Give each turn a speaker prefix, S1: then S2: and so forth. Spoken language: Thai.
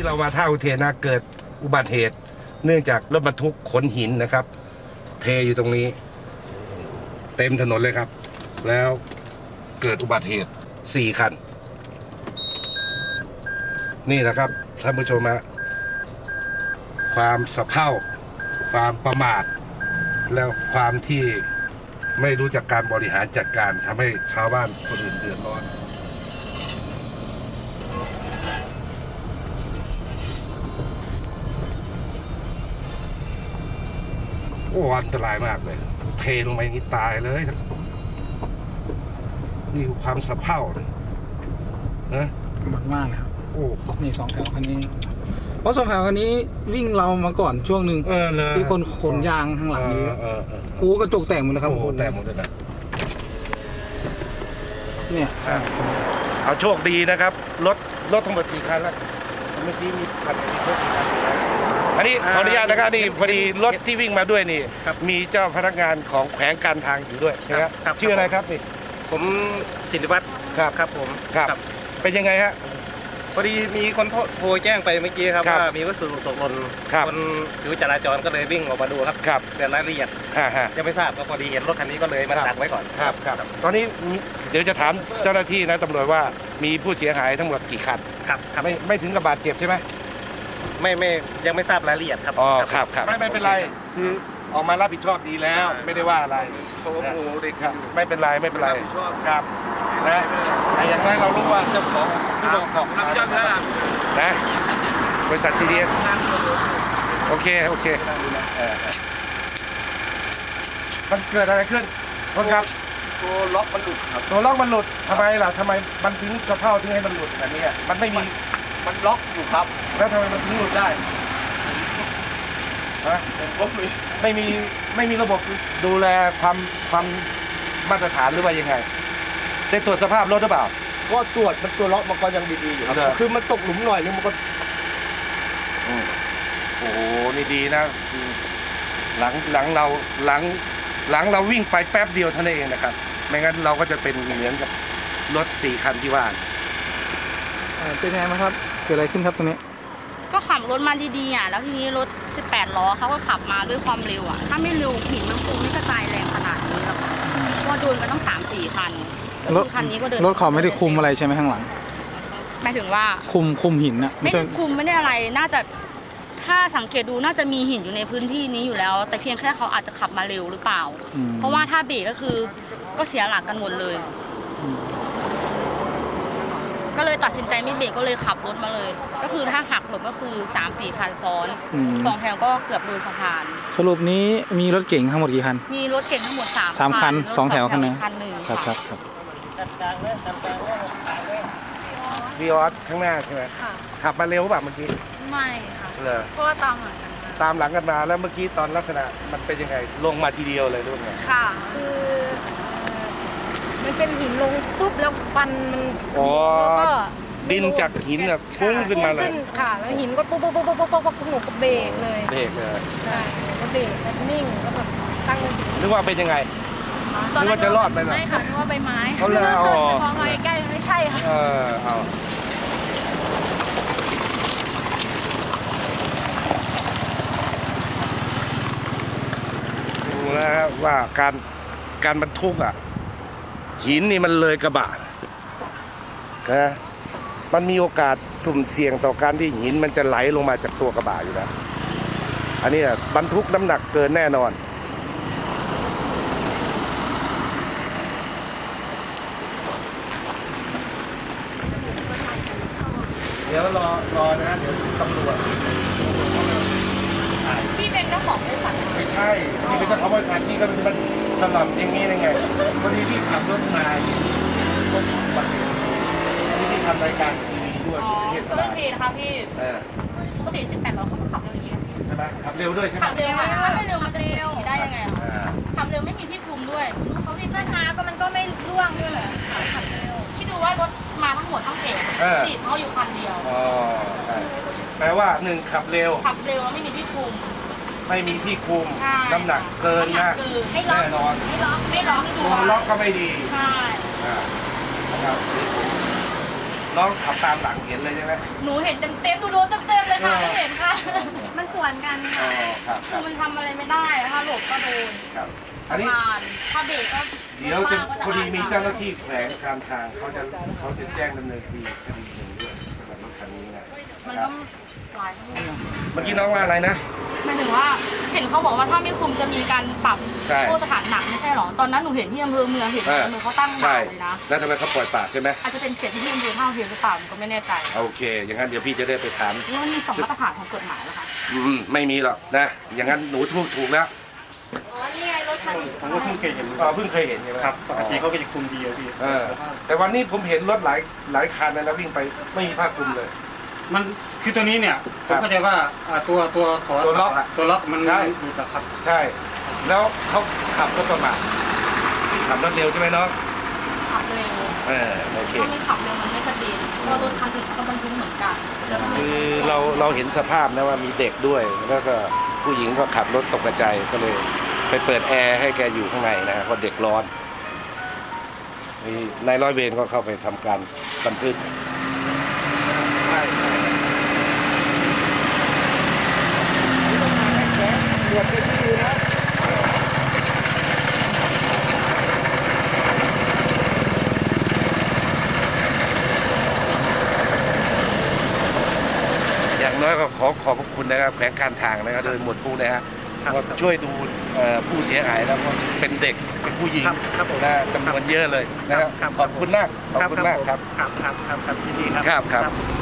S1: เรามาท่าอุเทนนะเกิดอุบัติเหตุ เนื่องจากรถบรรทุกขนหินนะครับ เทอยู่ตรงนี้ เต็มถนนเลยครับ แล้วเกิดอุบัติเหตุ4 คัน นี่แหละครับท่านผู้ชมฮะความสะเพร่าความประมาทแล้วความที่ไม่รู้จักการบริหารจัดการทำให้ชาวบ้านคนอื่นเดือดร้อนโอ้อันตรายมากเลยเทลงไปนี่ตายเลยนี่คือความสะเพร่าเลยนะ
S2: มันมากเลยครับ
S1: โอ้
S2: นี่2 แถวคันนี้เพราะ2 แถวคันนี้วิ่งเรามาก่อนช่วงหนึ่งที่คนขนยางข้างหลังนี้โอ้กระจกแตกหมดเลยครับ
S1: โอ้แตกหมดเลยนะ
S2: เนี่ย
S1: เอาโชคดีนะครับรถทั้งหมดกี่คันแล้วเมื่อกี้มีคันมีรถกี่คันอันนี้ขออนุญาตนะครับนี่พอดีรถที่วิ่งมาด้วยนี่มีเจ้าพนักงานของแขวงการทางอยู่ด้วยนะครับชื่ออะไรครับนี่
S3: ผมศิริวัฒน์ครับผม
S1: ครับเป็นยังไงฮะ
S3: พอดีมีคนโทรแจ้งไปเมื่อกี้ครับว่ามีวัสดุตกหล่นคนผิวจราจรก็เลยวิ่งออกมาดูครับเดี๋ยวรายละเอียดยังไม่ทราบก็พอดีเห็นรถคันนี้ก็เลยมาดักไว้ก่อน
S1: ครับตอนนี้เดี๋ยวจะถามเจ้าหน้าที่นะตำรวจว่ามีผู้เสียหายทั้งหมดกี่คัน
S3: ครับ
S1: ไม่ถึงกับบาดเจ็บใช่ไหม
S3: ไม่ยังไม่ทราบรายละเอียดครับ
S1: อ๋อครับไม่เป็นไรคือออกมารับผิดชอบดีแล้วไม่ได้ว่าอะไร
S4: เขาโมโหเด็กครับ
S1: ไม่เป็นไรครับนะแต่อย่างน้อยเรารู้ว่าเจ้าของที่บอกรับผิดชอบแล้วล่ะนะบริษัทซีดีเอสโอเคมันเกิดอะไรขึ้นคนครับ
S4: ตัวล็อกมันหลุดครับ
S1: ตัวล็อกมันหลุดทำไมล่ะทำไมมันถึงสะเพร่าถึงให้มันหลุดแบบนี้มันไม่มี
S4: มันล็อกอยู่ครับ
S1: แล้วทำไมมันถึงหลุดได้ไม่มีระบบดูแลความมาตรฐานหรือว่ายังไงได้ตรวจสภาพรถหรือเปล่า
S4: ก็ตรวจมันตัวล็อกมันก็ยังดีๆอยู่ครับคือมันตกหลุมหน่อยนึงมันก็
S1: โอ้โหนี่ดีนะหลังเราวิ่งไปแป๊บเดียวเท่านั้นเองนะครับไม่งั้นเราก็จะเป็นเหมือนกับรถ4 คันที่ว่า
S2: เป็นไงครับเกิดอะไรขึ้นครับตรงนี้
S5: ก็ขับรถมาดีๆแล้วทีนี้รถ18 ล้อเขาก็ขับมาด้วยความเร็วถ้าไม่เร็วหินมันคงไม่กระจายแรงขนาดนี้หรอกเพราะว่าโดนกันต้อง3-4 คันรถ
S2: คันนี้ก็เดินรถเขาไม่ได้คุมอะไรใช่ไหมข้างหลัง
S5: หมายถึงว่า
S2: คุมหินนะ
S5: ไม่ได้คุมไม่ได้อะไรน่าจะถ้าสังเกตดูน่าจะมีหินอยู่ในพื้นที่นี้อยู่แล้วแต่เพียงแค่เขาอาจจะขับมาเร็วหรือเปล่าเพราะว่าถ้าเบรกก็คือก็เสียหลักกันหมดเลยก็เลยตัดสินใจไม่เบรกก็เลยขับรถมาเลยก็คือถ้าหักหลบก็คือ3-4 คันซ้อน2 แถวก็เกือบโดนสะพาน
S2: สรุปนี้มีรถเก๋งทั้งหมดกี่คัน
S5: มีรถเก๋งทั้งหมด
S2: 3 คัน2 แถวคันนึงครับ
S1: วีออสข้างหน้าใช่ไหมขับมาเร็วแบบเมื่อกี้
S5: ไม่ค่ะเพราะว่าตาม
S1: หลังกันมาแล้วเมื่อกี้ตอนลักษณะมันเป็นยังไงลงมาทีเดียวเลยด้วย
S5: ค่ะคือมันเป็นหินลงปุ๊บแล้วฟันมันแล้วก็
S1: ดินจากหินแบบฟุ้งขึ้นมาเลย
S5: ค่ะแล้วหินก็ปุ๊บหนูก็เบรกเลยใช่ก็เบรกแล้วนิ่งก็แบบตั้ง
S1: นึกว่าเป็นยังไงนึกว่าจะรอดไหม
S5: ไม่ค่ะนึกว่าใบไม้
S1: เขาเลยเอา
S5: พอมาใกล้ไม่ใช่ค่ะ
S1: เอาดูแล้วว่าการบรรทุกหินนี่มันเลยกระบะนะมันมีโอกาสสุ่มเสี่ยงต่อการที่หินมันจะไหลลงมาจากตัวกระบะอยู่แล้วอันนี้บรรทุกน้ำหนักเกินแน่นอนเดี๋ยวรอนะเดี๋ยวตำรวจ
S5: พี่เป็นเจ้าของบริษัท
S1: ไม่ใช่พี่เป็นเจ้าของบริษัทพี่ก็มันสลับอย่างนี้ยังไงพอดีพี่ขับรถมาพี่ทำรายการทีวีด้วย
S5: ที่เทศบาลนะคะพี่ปกติ18 ล้อเขาก็ขับเร็วอย่างนี้
S1: ใช่ไหมขับเร็วด้วยใช่ไหม
S5: ขับเร็วถ้าไม่เร็วมันจะได้ยังไงขับเร็วไม่มีที่คุมด้วยเขาที่ช้าก็มันก็ไม่ร่วงด้วยเหรอขับเร็วคิดดูว่ารถมาทั้งหมดทั้งเพจติดเขาอยู่คันเดียว
S1: ใช่แปลว่า1ขับเร็ว
S5: แล้วไม่มีที่คุม
S1: น้ำหนักเกินนะแน่นอน
S5: ไม่ล็อก
S1: ตัวล็อกก็ไม่ดี
S5: ใช่
S1: นะครับน้องขับตามหลังเห็นเลยใช่ไหม
S5: หนูเห็นเต็มๆดูโดนเต็มๆเลยค่ะไม่เห็นค่ะ มันสวนกัน
S1: อ๋
S5: ค่ะ
S1: อครับค
S5: คื
S1: รับ
S5: อมันทำอะไรไม่ได้อะถ้าหลบก็โดน
S1: ครับอันนี้
S5: ผ่านถ้าเบรกก็
S1: เดี๋ยวจะ
S5: ก็
S1: พอดีมี
S5: อ่น
S1: เจ้าหน้าที่แขวงการทางเขาจะแจ้งดำเนินคดีหนึ่งด้วยสำหรับรถคันนี้นะ
S5: มัน
S1: ครั
S5: ก็
S1: บ
S5: หลายทั้งหมด
S1: เมื่อกี้น้องว่าอะไรนะ
S5: หมายถึงว่าเห็นเขาบอกว่าถ้าไม่คุมจะมีการปรับ
S1: ใช่
S5: โทษสถานหนักไม่ใช่หรอตอนนั้นหนูเห็นที่อำเภอเมืองเห็นอำเภอเขาตั้งด่านเลยนะ
S1: แล้วทำไมเขาปล่อยปากใช่ไหม
S5: อาจจะเป็นเขตที่อำเภอท่าเทียมหรือเปล่าหนูก็ไม่แน่ใจ
S1: โอเค อย่างนั้นเดี๋ยวพี่จะได้ไปถาม
S5: ว่ามันมีสองมาตรฐานของกฎหมายแล้วค่ะ
S1: ไม่มีหรอกนะ อย่างนั้นหนูถูกแล้ว
S5: อ๋อนี่ไงรถคันนี้
S3: ผมก็เพิ่งเคยเห็น
S1: เพิ่งเคยเห็นใช่ไหม
S3: ครับปกติเขาก็จะคุมดีอะพี่
S1: แต่วันนี้ผมเห็นรถหลายคันนะวิ่งไปไม่มีผ้าคลุมเลย
S3: มันคือตัวนี้เนี่ย
S1: ค
S3: ผ
S1: รั
S3: ม
S1: บ
S3: เข้าใจว่าตัว
S1: ล็อกอะ
S3: ตัวล็อกมัน
S1: ใช่
S3: หลุดอะครับ
S1: ใช่ แล้วเขาขับรถประมาทขับรถเร็วใช่ไหมน้อง
S5: ขับเร็ว
S1: โอเค
S5: ถ้าไม่ขับเร็วมันไม่กระเด็นเพราะรถคันอื่นเขาบรรทุกเหมือนกันแล้วมันไม่
S1: คือเราเห็นสภาพนะว่ามีเด็กด้วย แล้วก็ผู้หญิงก็ขับรถตกกระจายก็เลย ไปเปิดแอร์ให้แกอยู่ข้างในนะเพราะเด็กร้อนนี่นายร้อยเวรก็เข้าไปทำการบันทึกใช่อย่างน้อยก็ขอขอบพระคุณนะครับแขวงการทางนะครับโดยหมวดผู้นะครับว่าช่วยดูผู้เสียหายแล้วก็เป็นเด็กเป็นผู้หญิง
S3: ครับผม
S1: นะจำนวนเยอะเลยนะครับขอบคุณมากขอบคุณมากครับ
S3: ครับยินดีครับ
S1: ครับ